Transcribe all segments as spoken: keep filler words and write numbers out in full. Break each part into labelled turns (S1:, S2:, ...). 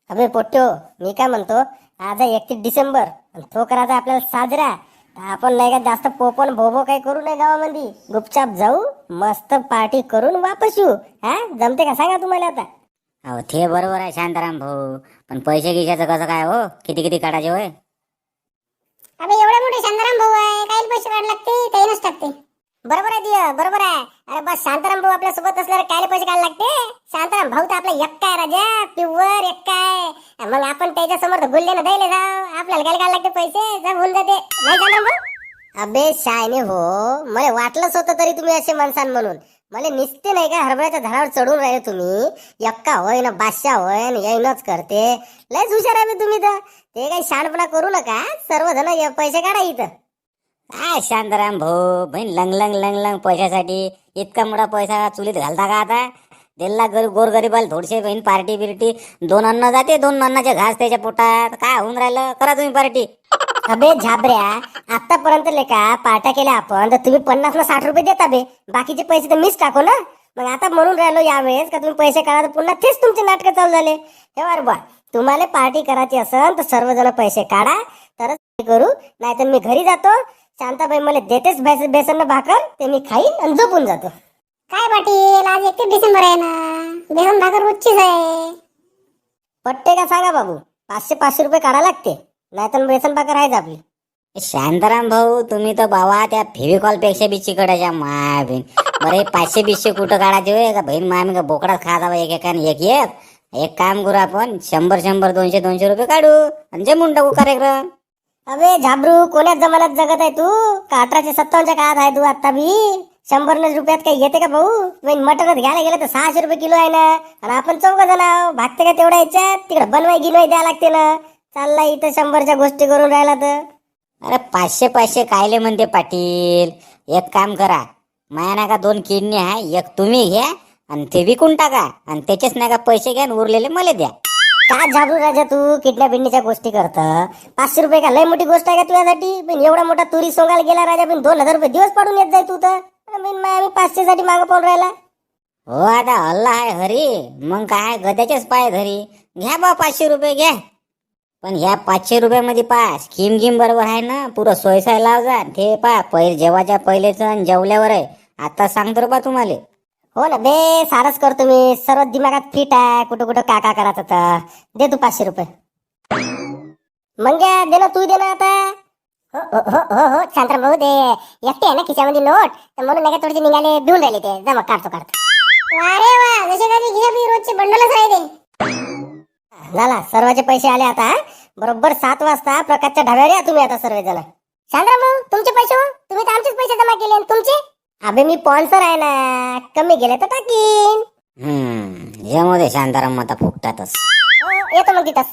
S1: अबे पोट्यो, मी काय म्हणतो, आज आहे एकतीस डिसेंबर आणि तो करायचा आपल्याला साजरा. आपण नाही का जास्त पोपण भोबो काही करू नये गावामध्ये. गुपचाप जाऊ, मस्त पार्टी करून वापस येऊ. हा जमते का सांगा तुम्हाला आता.
S2: अहो ते बरोबर आहे शांताराम भाऊ, पण पैसे गिशाचं कसं काय हो? किती किती काढायचे होय?
S3: अबे एवढे मोठे शांताराम भाऊ आहे, काही पैसे काढ लागते त्यानंच टाकते.
S1: बरोबर आहे दिया, बरोबर आहे. अरे बस शांताराम भाऊ आपल्या सोबत असल्यावर काय पैसे काढायला लागते. शांताराम भाऊ तर आपला एक्का आहे राजा, प्युअर एक्का आहे. मग आपण त्याच्या समोर गुल्लेनं द्यायला जाऊ, आपल्याला काय काढायला लागते पैसे, जर होऊन जाते नाही शांताराम भाऊ. अबे शायने हो, मला वाटलंच होतं तरी तुम्ही असे माणसान म्हणून. मला निसते नाही का हरभऱ्याच्या झाडावर चढून राहिले तुम्ही. एक्का होय ना बादशाह होय ना येईनच करते. लयच हुशार आहे तुम्ही तर. ते काही शानपणा करू नका, सर्वजण पैसे काढा इथं.
S2: काय शांताराम भाऊ, बहीण लंग लंग लंग लंग पैशासाठी इतका मोठा पैसा चुलीत घालता का आता? दिल्ला गर गोरगरीबाला थोडीशी बहीण पार्टी बिर्टी, दोन अन्न जाते, दोन अन्नाचे घास त्याच्या पोटात. काय होऊन राहिलं, करा तुम्ही पार्टी.
S1: अबे झाबऱ्या, आतापर्यंत लेका पार्ट्या केल्या आपण तर तुम्ही पन्नास ना साठ रुपये देता बे. बाकीचे पैसे तर मीच टाको ना. मग आता म्हणून राहिलो यावेळेस का तुम्ही पैसे काढा, तर पुन्हा तेच तुमचे नाटकं चालू झाले. हे बर बा, तुम्हाला पार्टी करायची असेल तर सर्वजण पैसे काढा, तरच करू. नाहीतर मी घरी जातो. शांताबाई मला देतेच बेसन बेसन भाकर, ते मी खाईन आणि झोपून जातो.
S3: काय पाटील, आज एकतीस डिसेंबर आहे ना, बेसन भाकर उच्चीच आहे.
S1: पट्टे का सांगा बाबू, पाचशे पाचशे रुपये काढा लागते, नाहीतर बेसन भाकर आहेच आपली.
S2: शांताराम भाऊ, तुम्ही तर बाबा त्या फेविकॉल पेक्षा बी चिकटाच्या माय बहीण. बरे पाचशे बीसशे कुठं काढायचे होय का बहीण? मामी का बोकडात खात एक एकाने एक एक एक काम करू आपण, शंभर शंभर दोनशे दोनशे रुपये काढू आणि जमून टाकू कार्यक्रम.
S1: अबे झाबरू, कोण्याच जमान्यात जगत आहे तू? का अठराशे सत्तावन्नच्या काळात आहे तू आता बी? शंभर रुपयात काही येते का भाऊ? मटनच घ्यायला गेलं तर सहाशे रुपये किलो आहे ना, आणि आपण चौघ जण आहो. भागते का तेवढ्या याच्यात? तिकडे बनवाय गिनवाय द्यायला लागते ना. चालला इथं शंभरच्या गोष्टी करून राहिला तर.
S2: अरे पाचशे पाचशे कायले म्हणते पाटील? एक काम करा, माया नाही का दोन किडनी आहे, एक तुम्ही घ्या आणि ते विकून टाका, आणि त्याचेच नाही का पैसे घ्या आणि उरलेले मला द्या.
S1: का झाबरू राजा तू किडन्या बिडनीच्या गोष्टी करत? पाचशे रुपये का लय मोठी गोष्ट आहे का तुझ्यासाठी? पण एवढा मोठा तुरी सोंगायला गेला राजा, पण दोन हजार रुपये दिवस पाडून येत जाय तू तर. आम्ही पाचशे साठी मागं पाहून राहिला.
S2: हो आता अल्ला आहे हरी, मग काय गद्याचेच पाय धरी. घ्या बा पाचशे रुपये घ्या, पण ह्या पाचशे रुपयामध्ये पा स्कीम गिम बरोबर आहे ना, पुरं सोयसाय लाव जा. ते पा पहिले जेवाच्या पहिलेच आणि जेवल्यावर आहे. आता सांगतो बा तुम्हाला.
S1: हो ना बे, सारच करतो मी, सर्व दिमागात फिट आहे. कुठं कुठं काका करायचं तर दे तू पाचशे रुपये. मग घ्या, दे ना तू, दे ना आता. हो हो हो हो हो शांताराम भाऊ, ते एकटे आहे ना खिशामध्ये नोट, तर म्हणून नाही का थोडेसे निघाले भिवून राहिले ते. जमा काढतो काढतो.
S3: वा रे वा, जसे कधी घे बी रोजचे बंडलच राहते.
S1: झाला, सर्वांचे पैसे आले आता. बरोबर सात वाजता प्रकाशच्या ढाब्यावर या तुम्ही आता सर्वजण.
S3: शांताराम भाऊ, तुमचे पैसे हो? तुम्ही तर आमचेच पैसे जमा केले आणि तुमचे.
S1: अबे मी स्पॉन्सर आहे ना, कमी गेले तर टाकीन.
S2: हम्म यामध्ये शांताराम आता फुकटातच.
S1: हो, येतो मग तिथंच.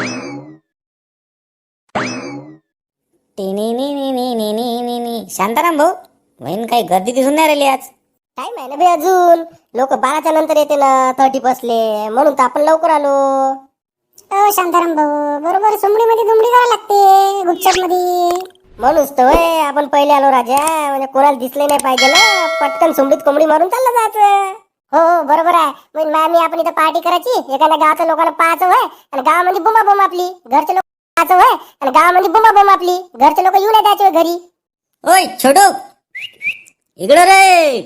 S2: टिनी नी नी नी नी नी नी नी. शांताराम भाऊ, बहीण काही गर्दी दिसून नाही राहिली आज.
S1: टाइम आहे ना बे अजून. लोक बाराच्या नंतर येते ना, थर्टी बसले म्हणून तर आपण लवकर आलो.
S3: अ शांताराम भाऊ, बरोबर सुमडीमध्ये दुमडी करायला लागते, गुपचाप मध्ये.
S1: म्हणूनच तर होय आपण पहिले आलो राजा, म्हणजे कोणाला दिसले नाही पाहिजे ना. पटकन सुमडीत कोंबडी मारून चाललं जायचं.
S3: हो हो बरोबर आहे. मग मामी आपण इथं पार्टी करायची, एखाद्या गावाच्या लोकांना पाहायचं होय, आणि गावामध्ये बुंबा बोंब आपली, घरचे लोक पाहायचं होय, आणि गावामध्ये बुंबा बोंब आपली, घरचे लोक येऊ नाही द्यायचे घरी.
S2: ओय छोटू, इकडं रे.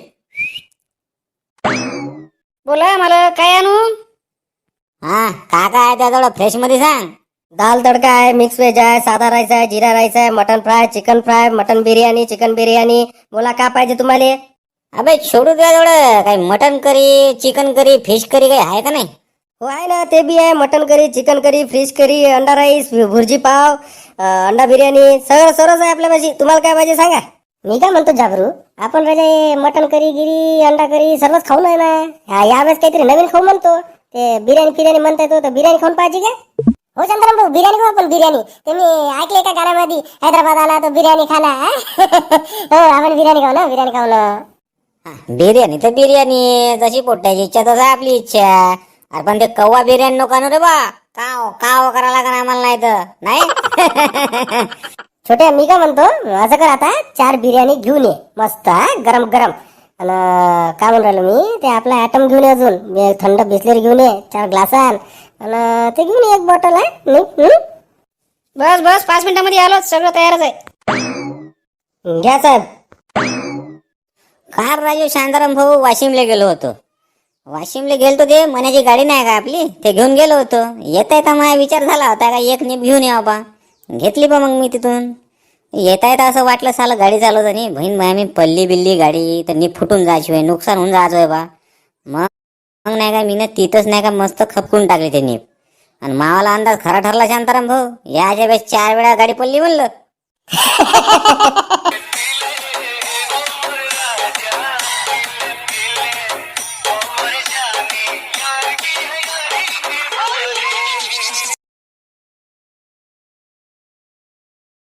S1: बोला, मला काय आणू?
S2: हा का काय आहे त्याजवळ फ्रेश मध्ये सांग.
S1: दाल तडका आहे, मिक्स व्हेज आहे, साधा राईस आहे, जिरा राईस आहे, mutton fry, chicken fry, mutton biryani, chicken biryani. बोला काय पाहिजे तुम्हाला?
S2: अबे छोटू, त्याजवळ काही mutton curry, chicken curry, fish curry काही आहे का नाही?
S1: हो आहे ना, ते बी आहे. Mutton curry, chicken curry, fish curry, अंडा राईस, भुर्जी पाव, अं, अंडा बिर्याणी, सगळं सर्वच आहे आपल्यापाशी. तुम्हाला काय पाहिजे सांगा. मी काय म्हणतो झाबरू, आपण राजा मटन करी गिरी अंडा करी सर्वच खाऊन आहे ना. यावेळेस काहीतरी नवीन खाऊ म्हणतो. ते बिर्याणी फिर्याणी म्हणता येतो, तर बिर्याणी खाऊन पाहिजे का?
S3: हो शांताराम भाऊ, बिर्याणी खाऊ आपण, बिर्याणी. तुम्ही ऐकले का गाण्यामध्ये, हैदराबाद आला तो बिर्याणी खाना. हो आपण बिर्याणी खाऊ ना, बिर्याणी खाऊ ना.
S2: बिर्याणी तर बिर्याणी, जशी पोट्याची इच्छा तसं आपली इच्छा. अरे पण ते कव्वा बिर्याणी नको आणू रे बा. काव काव करायला लागणार आम्हाला, नाही तर नाही.
S1: छोट्या, मी काय म्हणतो, असं कर आता, चार बिर्याणी घेऊन ये मस्त, हा गरम गरम. आणि काय म्हणून राहिलो मी, ते आपला ॲटम घेऊन ये, अजून थंड बिस्लेरी घेऊन ये चार ग्लासान.
S3: आणि ते घेऊन ये एक बॉटल आहे नीट, हं?
S1: बस बस पाच मिनिटामध्ये आलो, सगळं तयारच आहे.
S3: घ्या साहेब.
S2: कार राजू शांताराम भाऊ वाशिमला गेलो होतो. वाशिमला गेलतो ते मनाची गाडी नाही का आपली, ते घेऊन गेलो होतो. येता येता माझा विचार झाला होता का एक नीप घेऊन यावं बा. घेतली बा मग मी तिथून. येता येता असं वाटलं साला गाडी चालवतानी बहीण माया मी पल्ली बिल्ली गाडी तर नीप फुटून जायची होय, नुकसान होऊन जायचं होय बा. मग मग नाही का मी तिथंच नाही का मस्त खपकून टाकली ते नीप. आणि मावाला अंदाज खरा ठरला शांताराम भाऊ, याच्या वेळेस चार वेळा गाडी पडली म्हणलं.